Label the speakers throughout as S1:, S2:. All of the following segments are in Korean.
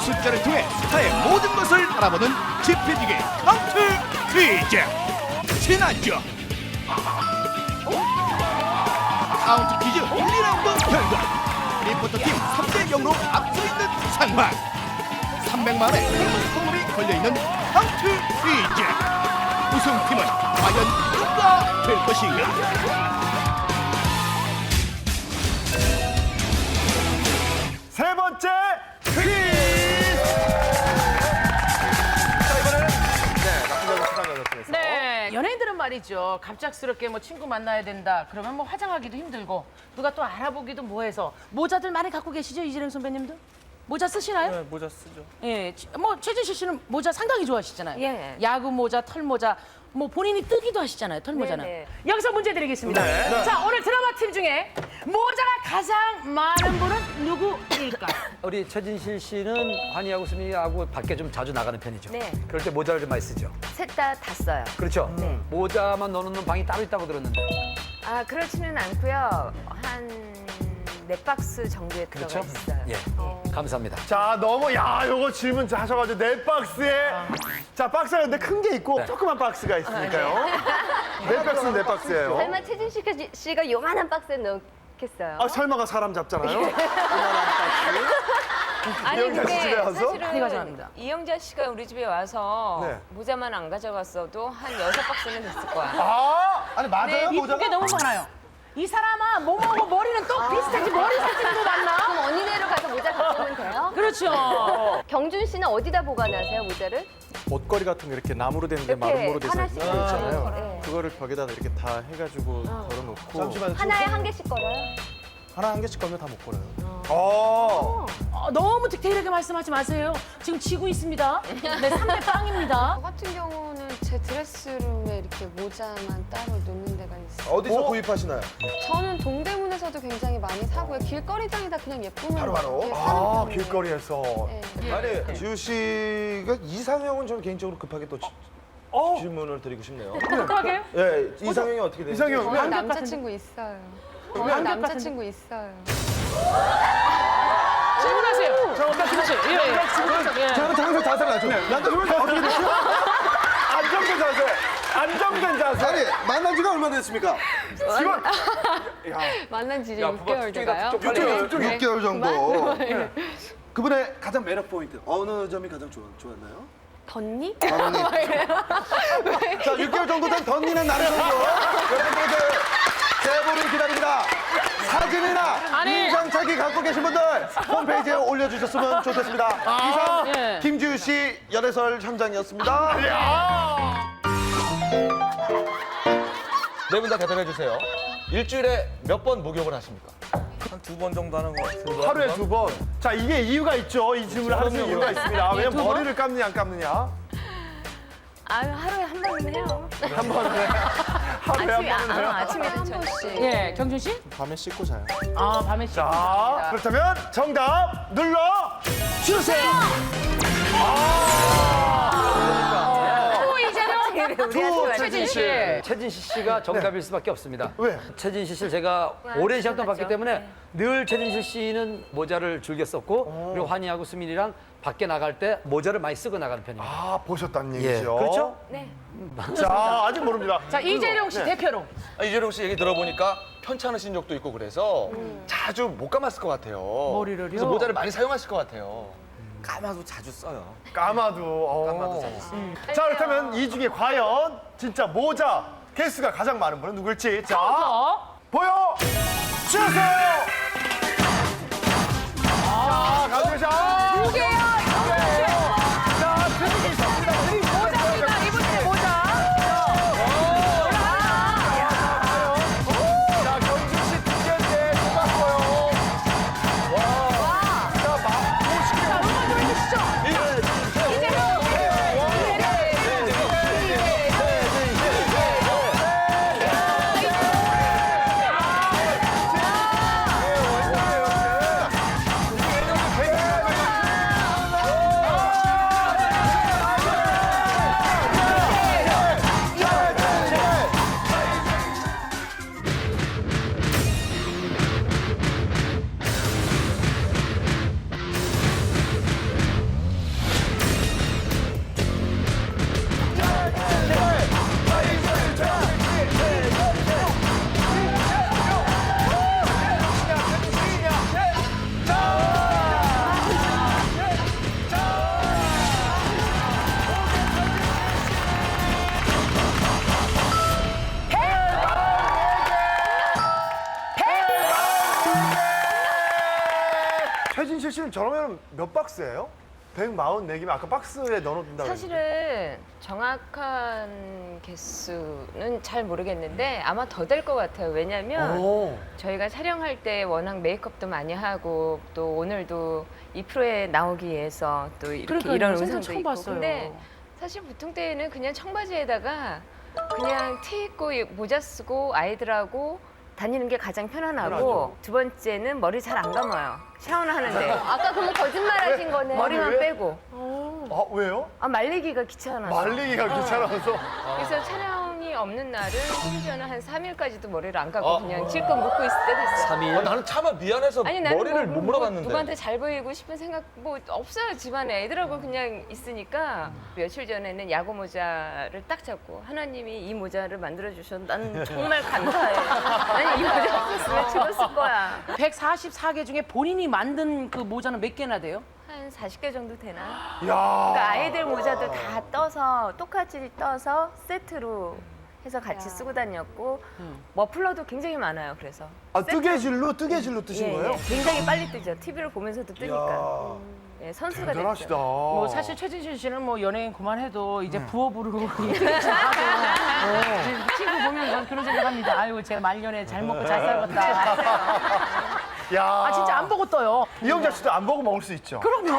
S1: 숫자를 통해 스타의 모든 것을 알아보는 짚어지기 카운트 퀴즈. 지난주 카운트 퀴즈 1, 2라운드 결과 리포터팀 3대 0으로 앞서 있는 상황. 300만 원의 행운 선물이 걸려있는 카운트 퀴즈. 우승팀은 과연 누가 될 것인가?
S2: 세 번째 퀴즈! 자, 이번에는 나쁜 여자 수상 여자 중에서
S3: 네, 연예인들은 말이죠. 갑작스럽게 뭐 친구 만나야 된다. 그러면 뭐 화장하기도 힘들고 누가 또 알아보기도 뭐해서 모자들 많이 갖고 계시죠, 이재령 선배님도? 모자 쓰시나요?
S2: 네, 모자 쓰죠.
S3: 예, 뭐 최진실 씨는 모자 상당히 좋아하시잖아요.
S4: 예.
S3: 야구 모자, 털 모자, 뭐 본인이 뜨기도 하시잖아요. 털 모자는.
S4: 네.
S3: 여기서 문제 드리겠습니다.
S2: 네.
S3: 자, 오늘 드라마 팀 중에 모자가 가장 많은 분은 누구일까요?
S5: 우리 최진실 씨는 환희하고 수민이하고 밖에 좀 자주 나가는 편이죠.
S4: 네.
S5: 그럴 때 모자를 좀 많이 쓰죠.
S4: 셋 다 써요.
S5: 그렇죠? 모자만 넣어놓는 방이 따로 있다고 들었는데.
S4: 아, 그렇지는 않고요. 한 4박스 정도에 들어가
S5: 그렇죠?
S4: 있어요.
S5: 예. 감사합니다.
S2: 자, 요거 질문 하셔가지고 네 박스에 자, 박스가 근데 큰 게 있고
S5: 네.
S2: 조그만 박스가 있으니까요. 네 박스는 네 박스예요.
S4: 설마 최진실 씨가 요만한 박스에 넣겠어요?
S2: 아, 설마가 사람 잡잖아요.
S6: 아니
S2: 이영자 씨 집에
S6: 근데
S2: 와서?
S3: 네,
S6: 사실은
S3: 가져갑니다.
S6: 이영자 씨가 우리 집에 와서
S2: 네.
S6: 모자만 안 가져갔어도 한 6박스는 됐을 거야.
S2: 아, 아니 맞아요,
S3: 이쁜 게 너무 많아요. 이 사람아 몸하고 머리는 또 비슷하지 머리 색깔도 많나?
S4: 그럼 언니네로 가서 모자 갖고 오면 돼요?
S3: 그렇죠.
S4: 경준 씨는 어디다 보관하세요, 모자를?
S7: 옷걸이 같은 거 이렇게 나무로 되는데
S4: 이렇게
S7: 마름모로 돼서
S4: 하나씩
S7: 있는 거 있잖아요.
S4: 네.
S7: 그거를 벽에다 이렇게 다 해가지고 걸어놓고
S2: 잠시만요.
S4: 하나에 한 개씩 걸어요?
S7: 하나 한 개씩 걸면 다 못 걸어요.
S3: 너무 디테일하게 말씀하지 마세요. 지금 지고 있습니다. 네, 3대 빵입니다.
S8: 저 같은 경우는 제 드레스룸에 이렇게 모자만 따로 놓는 데가 있어요.
S2: 어디서 구입하시나요?
S8: 저는 동대문에서도 굉장히 많이 사고요. 길거리장에다 그냥 예쁘면
S2: 바로.
S8: 이렇게
S2: 아,
S8: 사는 편이에요.
S2: 길거리에서.
S8: 네.
S9: 아니 지우 씨가 이상형은 저는 개인적으로 급하게 또 질문을 드리고 싶네요.
S3: 어떡하게요?
S9: 예, 이상형이 어떻게 되죠?
S2: 이상형.
S8: 저는 남자친구 있어요. 저는 남자친구 있어요.
S3: 질문하세요. 그렇지. 예.
S9: 저는 항상 자세를 낮춰.
S2: 나한테 왜 어떻게 됐어? 안정된 자세. 안정된 자세.
S9: 아니 만난 지가 얼마나 됐습니까?
S2: 지금
S8: 만난 지 이제 6개월 돼가요.
S9: 6개월 정도. 그분의 가장 매력 포인트 어느 점이 가장 좋았나요?
S8: 덧니?
S9: 던니. 자, 6개월 정도 된 던니는 나는 정도. 여러분들 제보를 기다립니다. 사진이나
S3: 아니.
S9: 인상착의 갖고 계신 분들 홈페이지에 올려주셨으면 좋겠습니다. 이상
S3: 예.
S9: 김지우 씨 열애설 현장이었습니다.
S10: 네 분 다 대답해 주세요. 일주일에 몇 번 목욕을 하십니까?
S7: 한 2번 정도 하는 것 같아요.
S2: 하루에 2번. 자, 이게 이유가 있죠. 이 질문을 하는 이유가 있습니다. 왜냐면
S3: 두 번?
S2: 머리를 감느냐 안 감느냐.
S4: 아, 하루에 한 번은 해요.
S2: 한 번에 하루에 한 번은 해요.
S4: 아침에도
S8: 한
S4: 저녁.
S8: 번씩.
S3: 예, 경준 씨?
S7: 밤에 씻고 자요.
S3: 아, 밤에 씨.
S2: 자, 그렇다면 정답 눌러 주세요.
S3: 또 이재명,
S4: 우리한테
S3: 최진 씨.
S5: 최진실 씨가 정답일 수밖에 없습니다.
S2: 왜?
S5: 최진실 씨를 제가 오랜 시간 동안 봤기
S4: 맞죠.
S5: 때문에
S4: 네.
S5: 늘 최진실 씨는 모자를 즐겨 썼고 그리고 환희하고 수민이랑 밖에 나갈 때 모자를 많이 쓰고 나가는 편입니다.
S2: 아, 보셨다는
S5: 예,
S2: 얘기죠.
S5: 그렇죠?
S4: 네.
S2: 자, 아직 모릅니다.
S3: 자, 이재령 씨 대표로.
S10: 이재룡 씨 얘기 들어보니까 편찮으신 적도 있고 그래서 자주 못 감았을 것 같아요.
S3: 머리를요?
S10: 그래서 모자를 많이 사용하실 것 같아요.
S7: 까마도 자주 써요.
S2: 까마도.
S7: 까마도 자주 써요.
S2: 자, 그렇다면 이 중에 과연 진짜 모자 개수가 가장 많은 분은 누굴지. 자, 보여 주세요. 자, 가세요. 자,
S3: 두 개야,
S2: 자, 드리기 있습니다. 드리기
S3: 모자입니다. 이분의 모자.
S2: 자, 경준 씨 2개인데 뽑았어요. 와. 자, 보시기
S3: 자, 음악 좀 해주시죠.
S2: 자, 최진실 씨는 저러면 몇 박스예요? 144개면 아까 박스에 넣어놓는다고
S6: 사실은 정확한 개수는 잘 모르겠는데 아마 더 될 것 같아요. 왜냐면 저희가 촬영할 때 워낙 메이크업도 많이 하고 또 오늘도 이 프로에 나오기 위해서 또 이렇게
S3: 그러니까요.
S6: 이런
S3: 생선
S6: 의상도
S3: 처음
S6: 입고
S3: 봤어요.
S6: 근데 사실 보통 때에는 그냥 청바지에다가 그냥 티 입고 모자 쓰고 아이들하고 다니는 게 가장 편안하고
S2: 편하죠.
S6: 두 번째는 머리 잘 안 감아요. 샤워는 하는데
S4: 아까 그러면 거짓말 하신 거네.
S6: 머리만
S2: 왜?
S6: 빼고
S2: 아, 왜요?
S6: 말리기가 귀찮아서
S2: 말리기가 귀찮아서.
S6: 그래서 촬영이 없는 날은 심지어는 한 3일까지도 머리를 안 감고 그냥 질끈 묶고 있을 때도 있어요.
S5: 3일.
S10: 나는 차마 미안해서
S6: 아니 나는
S10: 머리를 못 물어봤는데.
S6: 누구한테 잘 보이고 싶은 생각 뭐 없어요. 집안에 애들하고 그냥 있으니까 며칠 전에는 야구 모자를 딱 잡고 하나님이 이 모자를 만들어 주셔서 난 정말 감사해. 아니 이 모자 없었으면 죽었을 거야.
S3: 144개 중에 본인이 만든 그 모자는 몇 개나 돼요?
S6: 한 40개 정도 되나?
S2: 야.
S6: 그러니까 아이들 모자도 다 떠서 똑같이 떠서 세트로 해서 같이 쓰고 다녔고 머플러도 굉장히 많아요. 그래서
S2: 아, 뜨개질로 뜨신
S6: 예,
S2: 거예요?
S6: 예. 굉장히 빨리 뜨죠. TV를 보면서도 뜨니까. 예, 선수가
S2: 대단하시다.
S6: 됐죠.
S3: 뭐 사실 최진실 씨는 뭐 연예인 그만해도 이제 부업으로 이렇게 좀 하고 지금 친구 보면 전 그런 생각합니다. 아유 제가 말년에 잘 먹고 잘 살았다.
S2: 야.
S3: 아 진짜 안 보고 떠요.
S2: 이영자 씨도 안 보고 먹을 수 있죠.
S3: 그럼요.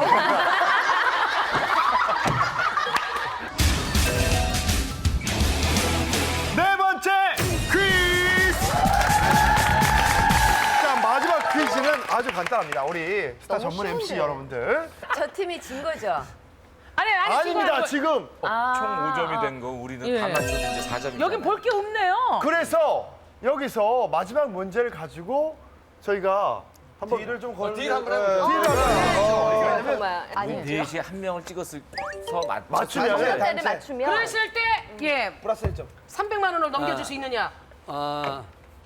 S2: 네 번째 퀴즈! 자, 마지막 퀴즈는 아주 간단합니다. 우리 스타 전문 MC 여러분들.
S6: 저 팀이 진 거죠?
S3: 아니
S2: 아닙니다, 지금.
S10: 총 5점이 된 거 우리는
S3: 예.
S10: 다 맞추면 이제 4점이.
S3: 여긴 볼 게 없네요.
S2: 그래서 여기서 마지막 문제를 가지고 저희가 한번 딜을 좀 걸고
S10: 딜 한번 해보죠.
S2: 딜을 한번
S6: 정말
S10: 우리 넷이 한 명을 찍었서
S2: 맞추면
S4: 숫자를 맞추면
S3: 그랬을 때 예,
S9: 플러스 1점.
S3: 300만 원을 넘겨줄 수 있느냐?
S5: 아,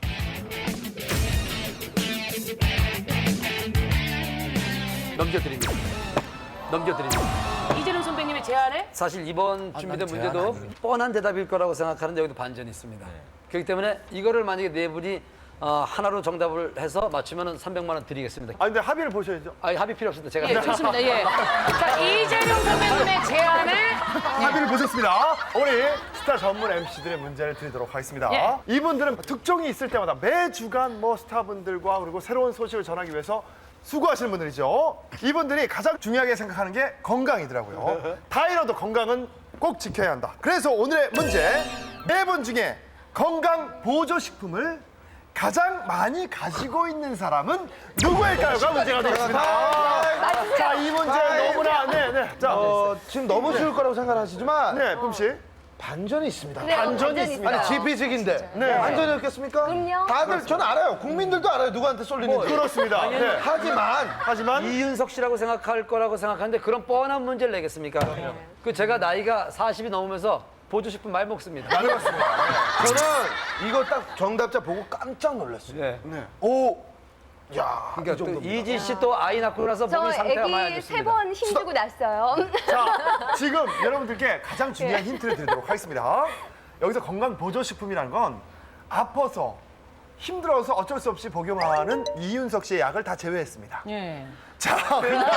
S5: 넘겨드립니다. 넘겨드립니다.
S3: 이재룡 선배님의 제안에
S5: 사실 이번 준비된 문제도 뻔한 대답일 거라고 생각하는데 여기도 반전이 있습니다. 그렇기 때문에 이거를 만약에 네 분이 하나로 정답을 해서 맞추면 300만 원 드리겠습니다.
S2: 아, 근데 합의를 보셔야죠.
S5: 합의 필요 없습니다. 제가
S3: 예, 좋습니다. 예. 자, 이재룡 선배님의 제안에
S2: 합의를 보셨습니다. 우리 스타 전문 MC들의 문제를 드리도록 하겠습니다.
S3: 예.
S2: 이분들은 특종이 있을 때마다 매주간 뭐 스타분들과 그리고 새로운 소식을 전하기 위해서 수고하시는 분들이죠. 이분들이 가장 중요하게 생각하는 게 건강이더라고요. 다 잃어도 건강은 꼭 지켜야 한다. 그래서 오늘의 문제, 네 분 중에 건강 보조식품을 가장 많이 가지고 있는 사람은 누구일까요가 문제가 되겠습니다. 자, 이 문제 너무나 네. 자,
S9: 지금 너무 쉬울 거라고 생각하시지만
S2: 네, 뿜씨.
S9: 반전이 있습니다.
S4: 그래요,
S2: 반전이 있습니다.
S9: 아니 GP직인데
S2: 네.
S9: 반전이 없겠습니까?
S4: 그럼요.
S9: 다들 저는 알아요. 국민들도 알아요. 누구한테 쏠리는지.
S2: 그렇습니다. 네.
S9: 하지만
S5: 이윤석 씨라고 생각할 거라고 생각하는데 그런 뻔한 문제를 내겠습니까? 그 제가 나이가 40이 넘으면서 보조식품 많이 먹습니다.
S9: 저는 이거 딱 정답자 보고 깜짝 놀랐어요.
S5: 네.
S9: 오, 야, 이
S5: 그러니까 또
S9: 정도입니다.
S5: 이지 씨 또 아이 낳고 나서
S4: 저
S5: 몸이 상태가 많이 안
S4: 애기
S5: 좋습니다.
S4: 3번 힘주고 났어요.
S2: 자, 지금 여러분들께 가장 중요한 힌트를 드리도록 하겠습니다. 여기서 건강 보조식품이라는 건 아파서 힘들어서 어쩔 수 없이 복용하는 이윤석 씨의 약을 다 제외했습니다.
S3: 예.
S2: 자, 그러니까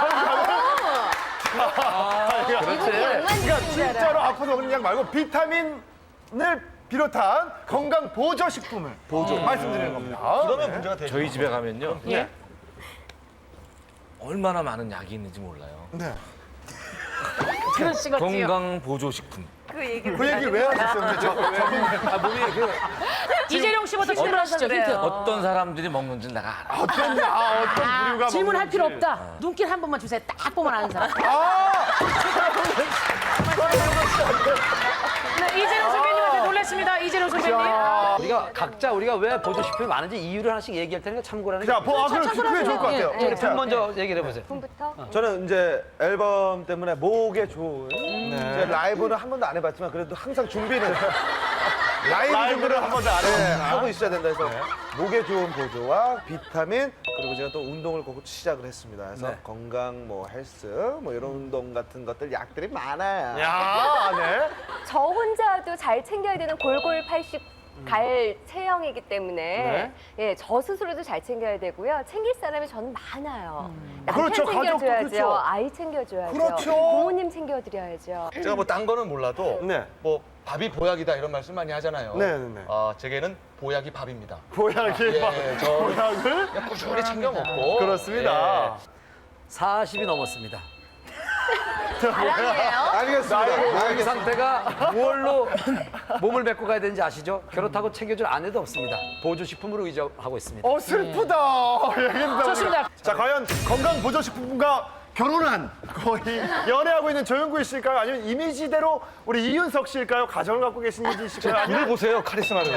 S2: 진짜로 아파서 먹는 약 말고 비타민을 비롯한 건강 보조식품을 말씀드리는 겁니다.
S10: 그러면
S2: 네.
S10: 문제가 되죠. 저희 집에 가면요.
S3: 예.
S10: 얼마나 많은 약이 있는지 몰라요.
S2: 네.
S3: 그런 씨 같지요.
S10: 건강 보조식품.
S6: 그 얘기를
S2: 그 얘기 왜 하셨어요? 근데
S5: 몸이
S3: 이재룡 씨부터 질문하시죠. 힌트.
S10: 어떤 사람들이 먹는지 내가 알아.
S2: 어떤 부류가
S3: 질문할
S2: 먹는지.
S3: 필요 없다. 눈길 한 번만 주세요. 딱 보면 아는 사람. 네, 이재룡 선배님한테 놀랐습니다. 이재룡 선배님.
S5: 우리가 왜 보조식품이 많은지 이유를 하나씩 얘기할 테니까 참고라는
S2: 자, 그럼 그게 좋을 것 같아요.
S3: 예,
S5: 우리 분 먼저 얘기를 해보세요.
S4: 분부터
S9: 저는 이제 앨범 때문에 목에 좋은 이제 라이브는 한 번도 안 해봤지만 그래도 항상 준비는
S2: 라이브를 한 번도 안
S9: 네,
S2: 해봤구나.
S9: 하고 있어야 된다 해서 목에 좋은 보조와 비타민 그리고 제가 또 운동을 꼭 시작을 했습니다. 그래서
S5: 네.
S9: 건강 뭐 헬스 뭐 이런 운동 같은 것들 약들이 많아요.
S2: 야, 네.
S4: 저 혼자도 잘 챙겨야 되는 골골 80 갈 체형이기 때문에
S2: 네.
S4: 예, 저 스스로도 잘 챙겨야 되고요. 챙길 사람이 저는 많아요. 남편
S2: 그렇죠. 가족도
S4: 챙겨줘야죠.
S2: 그렇죠.
S4: 아이 챙겨줘야죠.
S2: 그렇죠.
S4: 부모님 챙겨드려야죠.
S10: 제가 뭐 딴 거는 몰라도
S2: 네.
S10: 뭐 밥이 보약이다 이런 말씀 많이 하잖아요.
S2: 네.
S10: 제게는 보약이 밥입니다.
S2: 보약이
S10: 예, 저
S2: 보약을
S10: 그냥 꾸준히 챙겨 먹고
S2: 그렇습니다.
S5: 40이 넘었습니다.
S4: 자랑이에요.
S9: 알겠습니다.
S5: 이 상태가 무얼로 몸을 메꿔 가야 되는지 아시죠? 그렇다고 챙겨줄 아내도 없습니다. 보조식품으로 의존하고 있습니다.
S2: 슬프다. 얘기했다.
S3: 좋습니다.
S2: 자, 과연 건강 보조식품과 결혼한 거의 연애하고 있는 조영구 씨일까요? 아니면 이미지대로 우리 이윤석 씨일까요? 가정을 갖고 계신 이지 씨일까요?
S10: 눈을
S2: 아니면
S10: 보세요 카리스마를.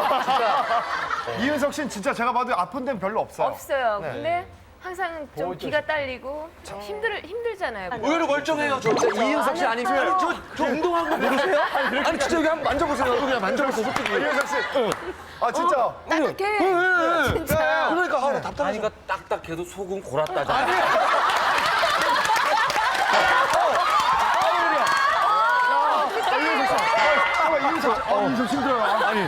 S2: 이윤석 씨는 진짜 제가 봐도 아픈 데는 별로 없어요.
S6: 없어요.
S2: 네.
S6: 근데 항상 좀 기가 딸리고 힘들잖아요.
S10: 의외로 멀쩡해요. 저
S5: 이윤석 씨 아니고요.
S10: 저 운동한 거 모르세요? 아니 진짜 여기 한번 만져보세요. 그냥 만져보세요 솔직히.
S2: 이윤석 씨. 아, 진짜.
S10: 진짜. 그러니까 답답해.
S7: 아니가 딱딱해도 속은 골았다잖아.
S2: 이윤석 힘들어요. 아니.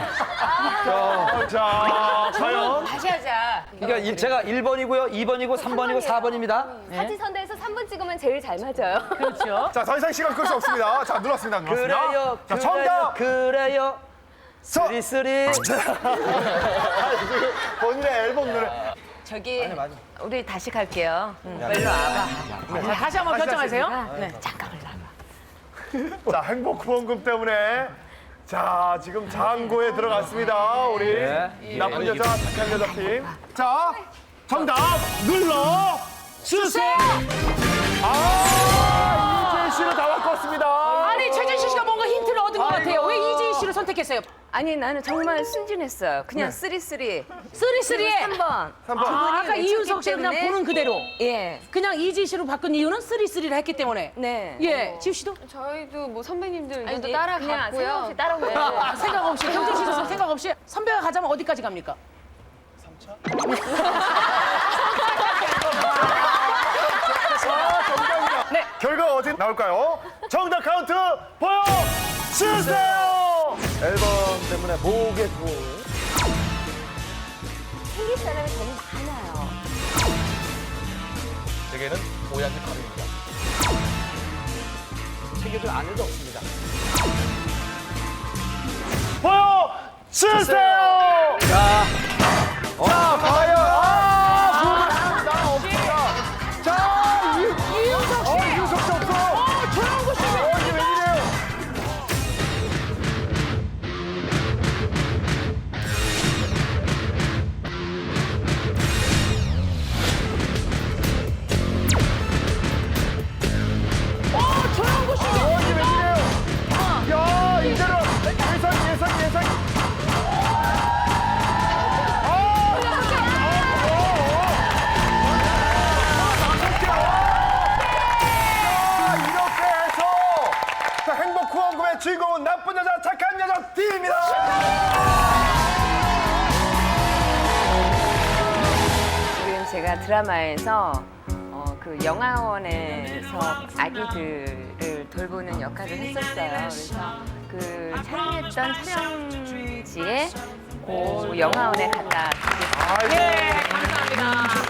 S2: 자, 과연.
S6: 다시 하자.
S5: 그러니까 제가 1번이고요, 2번이고, 3번이고, 4번입니다.
S4: 사지선다에서 3분 찍으면 제일 잘 맞아요.
S3: 그렇죠.
S2: 자, 더 이상 시간 끌 수 없습니다. 자, 눌렀습니다.
S5: 그래요,
S2: 자,
S5: 그래요,
S2: 정답.
S5: 그래요.
S2: 서.
S5: 쓰리쓰리.
S2: 본인의 앨범 노래.
S6: 저기 우리 다시 갈게요. 일로 와봐.
S3: 자, 다시 한번 결정하세요. 네.
S6: 잠깐만 나와.
S2: 자, 행복 후원금 때문에 자, 지금 장고에 들어갔습니다. 우리 나쁜 여자, 착한 여자 팀. 자, 정답 눌러 주세요. 이재희 씨를 다 바꿨습니다.
S3: 아니 최진실 씨가 뭔가 힌트를 얻은 것 같아요. 왜 이재희 씨를 선택했어요?
S6: 아니 나는 정말 순진했어요. 그냥 쓰리쓰리.
S3: 쓰리쓰리에
S6: 3번.
S2: 3번.
S3: 아까 이윤석 씨 그냥
S6: 때문에.
S3: 보는 그대로
S6: 예.
S3: 그냥 이재희 씨로 바꾼 이유는 쓰리쓰리를 했기 때문에.
S6: 네.
S3: 예, 지우 씨도
S8: 저희도 뭐 선배님들
S6: 아니,
S8: 의견도
S6: 그냥 생각
S8: 따라갔고요.
S6: 없이 따라오고.
S3: 생각 없이 경진 씨도 생각 없이 선배가 가자면 어디까지 갑니까?
S2: 결과 어디 나올까요? 정답 카운트 보여주세요.
S9: 앨범 때문에 목에 또
S4: 챙길 사람이 저는 많아요.
S10: 제게는 보약이 밥입니다.
S5: 챙겨줄 아내도 없습니다.
S2: 보여주세요. 자, 과연 나 없습니다. 자, 이윤석 씨. 이윤석 씨 없어.
S3: 조영구 씨.
S2: 이게 웬일이에요?
S3: 조영구 씨.
S2: 이게 웬일이에요? 야, 이제는 예선. 이렇게 해서 자, 행복 후원금의 주인공은 나쁜 여자 착한 여자 팀입니다.
S6: 지금 제가 드라마에서 그 영화원에서 아기들을 돌보는 역할을 했었어요. 그래서 그 촬영했던 촬영지에 그 영화원에 갔다 드리겠습니다.
S3: 예, 감사합니다.